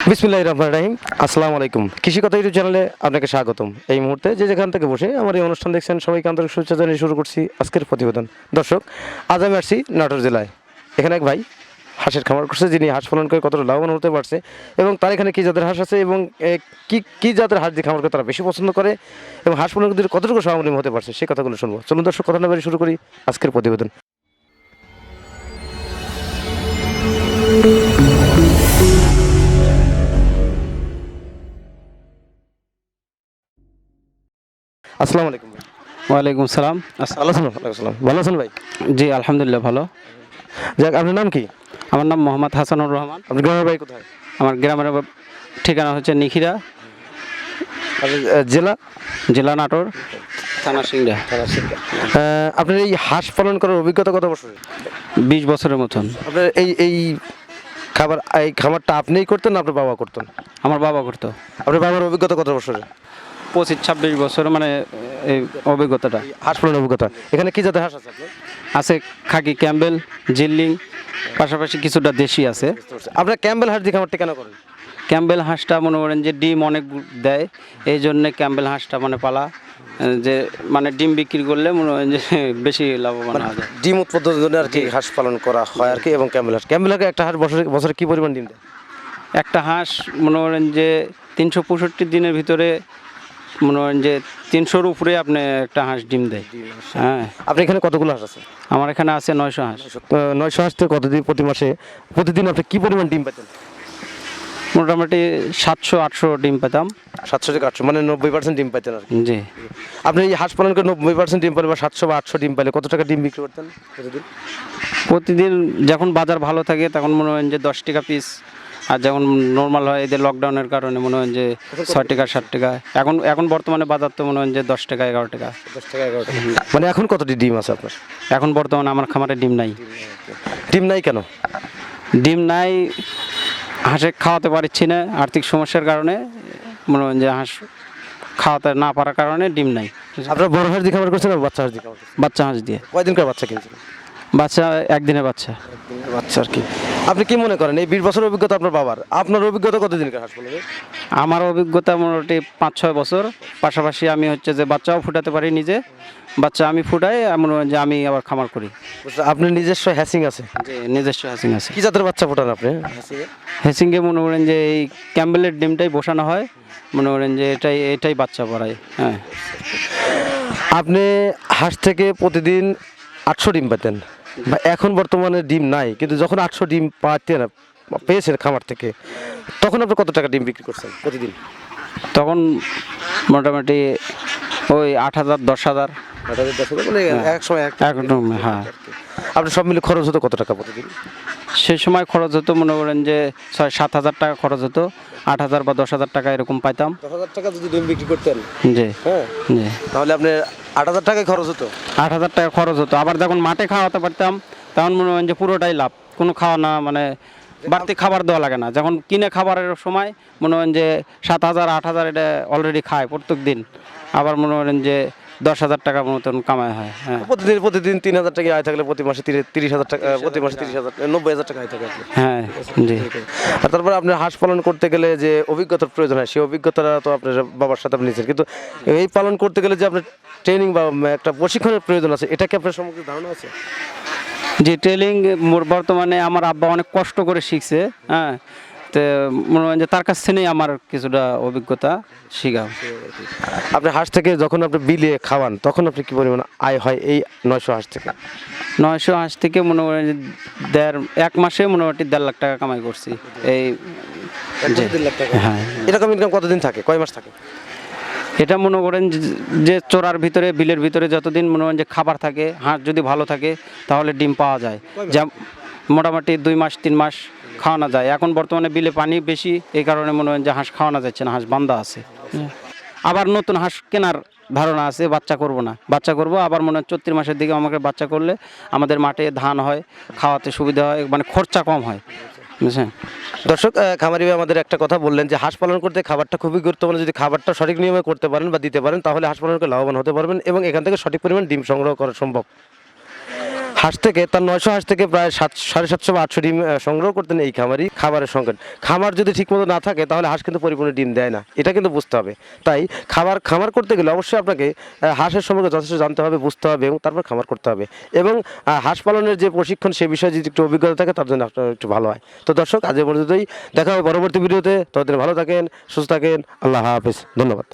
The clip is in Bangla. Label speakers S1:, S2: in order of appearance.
S1: বিসমিল্লাহির রহমানির রহিম। আসসালামু আলাইকুম। কৃষি কথা ইউটিউব চ্যানেলে আপনাকে স্বাগতম। এই মুহূর্তে যে যেখান থেকে বসে আমার এই অনুষ্ঠান দেখছেন সবাইকে আন্তরিক শুভেচ্ছা জানিয়ে শুরু করছি আজকের প্রতিবেদন। দর্শক, আজ আমি আসছি নাটোর জেলায়। এখানে এক ভাই হাঁসের খামার করছে, যিনি হাঁস পালন করে কতটা লাভবান হতে পারছে এবং তার এখানে কী জাতের হাঁস আছে এবং কী জাতের হাঁস দিয়ে খামার করে তারা বেশি পছন্দ করে এবং হাঁস পালন করে কতটুকু স্বাবলম্বী হতে পারছে সেই কথাগুলো শুনবো। চলুন দর্শক, কথা না বাড়িয়ে শুরু করি আজকের প্রতিবেদন। আসসালামু আলাইকুম ভাই।
S2: ওয়ালাইকুম সালাম।
S1: ভালো আছেন? ওয়ালাইকুম আসসালাম। ভালো আছেন ভাই?
S2: জি আলহামদুলিল্লাহ ভালো।
S1: যাক, আপনার নাম কি?
S2: আমার নাম মোহাম্মদ হাসানুর রহমান।
S1: আপনার গ্রামের বাড়ি কোথায়?
S2: আমার গ্রামের ঠিকানা হচ্ছে নিখিরা,
S1: আপনার জেলা?
S2: জেলা নাটোর, থানা সিংড়া।
S1: আপনার এই হাঁস পালন করার অভিজ্ঞতা কত বছর?
S2: 20 বছরের মতন।
S1: আপনার এই খামারটা আপনিই করতেন না আপনার বাবা করতেন?
S2: আমার বাবা করতো।
S1: আপনার বাবার অভিজ্ঞতা কত বছরের?
S2: 25-26 বছর মানে এই অভিজ্ঞতাটা
S1: হাঁস পালনের অভিজ্ঞতা। এখানে কি জাতের হাঁস আছে আপনার?
S2: আছে। খাকি, ক্যাম্বেল, জিল্লিং, পাশাপাশি কিছুটা দেশি আছে।
S1: আপনার ক্যাম্বেল হাঁস দিয়ে খামারটা কেন করেন?
S2: ক্যাম্বেল হাঁসটা মনে করেন যে ডিম অনেক দেয়, এই জন্যে ক্যাম্বেল হাঁসটা মানে পালা, যে মানে ডিম বিক্রি করলে মনে হয় যে বেশি লাভবান হওয়া যায়।
S1: ডিম উৎপাদনের জন্য আর কি হাঁস পালন করা হয় আর কি। এবং ক্যাম্বেল হাঁস একটা হাঁস বছরে কি পরিমাণ ডিম দেয়?
S2: একটা হাঁস মনে করেন যে 365 দিনের ভিতরে মনে করেন যে 300-র উপরে আপনি একটা হাঁস ডিম দেয়। হ্যাঁ।
S1: আপনি এখানে কতগুলো হাঁস আছে?
S2: আমার এখানে আছে 900 হাঁস।
S1: 900 হাঁস থেকে প্রতিদিন আপনি কি পরিমাণ ডিম পেতেন?
S2: মোটামুটি 700-800 ডিম পেতাম।
S1: 700 থেকে 800, মানে 90% ডিম পাইতেন আর কি।
S2: জি।
S1: আপনি এই হাঁস পালন করে 90% ডিম পেলে বা 700 বা 800 ডিম পেলে কত টাকা ডিম বিক্রি করতেন প্রতিদিন?
S2: প্রতিদিন যখন বাজার ভালো থাকে তখন মনে হয় যে 10 টাকা পিস, আর যখন নর্মাল হয় এদের লকডাউনের কারণে মনে হয় যে 6 টাকা 7 টাকা। এখন বর্তমানে বাজার তো মনে হয় যে 10 টাকা 11 টাকা।
S1: 10 টাকা 11 টাকা। মানে এখন কতটি ডিম আছে আপনার?
S2: এখন বর্তমানে আমার খামারে ডিম নাই।
S1: ডিম নাই কেন?
S2: ডিম নাই, হাঁসে খাওয়াতে পারছি না আর্থিক সমস্যার কারণে। মনে হয় যে হাঁস খাওয়াতে না পারার কারণে ডিম নাই।
S1: আপনার বড় হাঁস দিয়ে খাবার করছেন আর বাচ্চা হাঁস দিয়ে খাবার করছেন?
S2: বাচ্চা হাঁস দিয়ে।
S1: কয়দিন করে বাচ্চা কিনছেন?
S2: বাচ্চা একদিনের বাচ্চা।
S1: বাচ্চা আর কি। আপনি কি মনে করেন এই 20 বছরের অভিজ্ঞতা আপনার বাবার, আপনার অভিজ্ঞতা কতদিনকার হাঁস পালনের?
S2: আমার অভিজ্ঞতা মোটামুটি 5-6 বছর। পাশাপাশি আমি হচ্ছে যে বাচ্চাও ফুটাতে পারি নিজে। বাচ্চা আমি ফুটাই, মনে হয় যে আমি আবার খামার করি।
S1: আপনার নিজস্ব হ্যাসিং আছে?
S2: যে নিজস্ব হ্যাসিং আছে।
S1: কি জাতের বাচ্চা ফোটান আপনি?
S2: হ্যাসিংয়ে মনে করেন যে এই ক্যাম্বেলের ডিমটাই বসানো হয়, মনে করেন যে এটাই বাচ্চা পড়ায়। হ্যাঁ।
S1: আপনি হাঁস থেকে প্রতিদিন 800 ডিম পেতেন, বা এখন বর্তমানে ডিম নাই, কিন্তু যখন 800 ডিম পেয়েছেন খামার থেকে, তখন আপনি কত টাকা ডিম বিক্রি করছেন প্রতিদিন?
S2: তখন মোটামুটি ওই 8,000 10,000
S1: মানে এক সময়
S2: একদম। হ্যাঁ।
S1: আপনার সব মিলে খরচ হতো কত টাকা প্রতিদিন?
S2: সেই সময় খরচ হতো মনে করেন যে 6-7 হাজার টাকা খরচ হতো। 8,000 বা 10,000 টাকা এরকম পাইতাম।
S1: 10,000 টাকা যদি ডিম বিক্রি করতেন,
S2: জি
S1: হ্যাঁ,
S2: জি,
S1: তাহলে আপনার 8,000 টাকায় খরচ হতো।
S2: 8,000 টাকা খরচ হতো। আবার যখন মাঠে খাওয়াতে পারতাম তখন মনে হয় যে পুরোটাই লাভ, কোনো খাওয়া না, মানে বাড়তি খাবার দেওয়া লাগে না। যখন কিনে খাবারের সময় মনে হয় যে 7,000 8,000 এটা অলরেডি খায় প্রত্যেক দিন। আবার মনে করেন যে 10,000 টাকার মতন কামাই হয়। হ্যাঁ।
S1: প্রতিদিন 3,000 টাকা আয় থাকলে প্রতি মাসে 30,000 টাকা, প্রতি মাসে 30,000, 90,000 টাকা আয় থাকে আপনার।
S2: হ্যাঁ। জি।
S1: আর তারপরে আপনার হাঁস পালন করতে গেলে যে অভিজ্ঞতার প্রয়োজন হয়, সেই অভিজ্ঞতাটা তো আপনার বাবার সাথে আপনি নিয়েছেন, কিন্তু এই পালন করতে গেলে যে আপনার ট্রেনিং বা একটা প্রশিক্ষণের প্রয়োজন আছে, এটা কি আপনার সম্পর্কে ধারণা আছে?
S2: যে ট্রেনিং বর্তমানে আমার আব্বা অনেক কষ্ট করে শিখছে। হ্যাঁ। তো মনে হয় যে তার কাছ থেকেই আমার কিছুটা অভিজ্ঞতা শিখাও।
S1: আপনি হাঁস থেকে যখন আপনি বিলিয়ে খাওয়ান তখন আপনি কি পরিমাণ আয় হয় এই 900 হাঁস থেকে?
S2: 900 হাঁস থেকে মনে করেন যে এক মাসে মোটামুটি 1.5 লাখ টাকা কামাই করছি। এই
S1: 1.5 লাখ টাকা?
S2: হ্যাঁ।
S1: এরকম ইনকাম কতদিন থাকে, কয় মাস থাকে?
S2: এটা মনে করেন যে চোরার ভিতরে, বিলের ভিতরে যতদিন মনে করেন যে খাবার থাকে, হাঁস যদি ভালো থাকে তাহলে ডিম পাওয়া যায়। যা মোটামুটি 2 মাস 3 মাস খাওয়ানো যায়। এখন বর্তমানে বিলে পানি বেশি, এই কারণে মনে হয় যে হাঁস খাওয়ানো যাচ্ছে না, হাঁস বান্ধা আছে। আবার নতুন হাঁস কেনার ধারণা আছে, বাচ্চা করব না, বাচ্চা করব আবার মনে হয় 34 মাসের দিকে আমাকে বাচ্চা করলে আমাদের মাঠে ধান হয়, খাওয়াতে সুবিধা হয়, মানে খরচা কম হয়। বুঝছেন?
S1: দর্শক, খামারি ভাই আমাদের একটা কথা বললেন যে হাঁস পালন করতে খাবারটা খুবই গুরুত্বপূর্ণ। যদি খাবারটা সঠিক নিয়মে করতে পারেন বা দিতে পারেন তাহলে হাঁস পালন করে লাভবান হতে পারবেন এবং এখান থেকে সঠিক পরিমাণ ডিম সংগ্রহ করা সম্ভব। হাঁস থেকে তার 900 হাঁস থেকে প্রায় 700 বা 800 ডিম সংগ্রহ করতেন এই খামারি। খাবারের সংকট, খামার যদি ঠিকমতো না থাকে তাহলে হাঁস কিন্তু পরিপূর্ণ ডিম দেয় না, এটা কিন্তু বুঝতে হবে। তাই খামার করতে গেলে অবশ্যই আপনাকে হাঁসের সম্পর্কে যথেষ্ট জানতে হবে, বুঝতে হবে এবং তারপর খামার করতে হবে। এবং হাঁস পালনের যে প্রশিক্ষণ সে বিষয়ে যদি একটু অভিজ্ঞতা থাকে তার জন্য আপনার একটু ভালো হয়। তো দর্শক, আজ এ পর্যন্তই, দেখা হবে পরবর্তী ভিডিওতে। ততদিন ভালো থাকেন, সুস্থ থাকেন, আল্লাহ হাফেজ, ধন্যবাদ।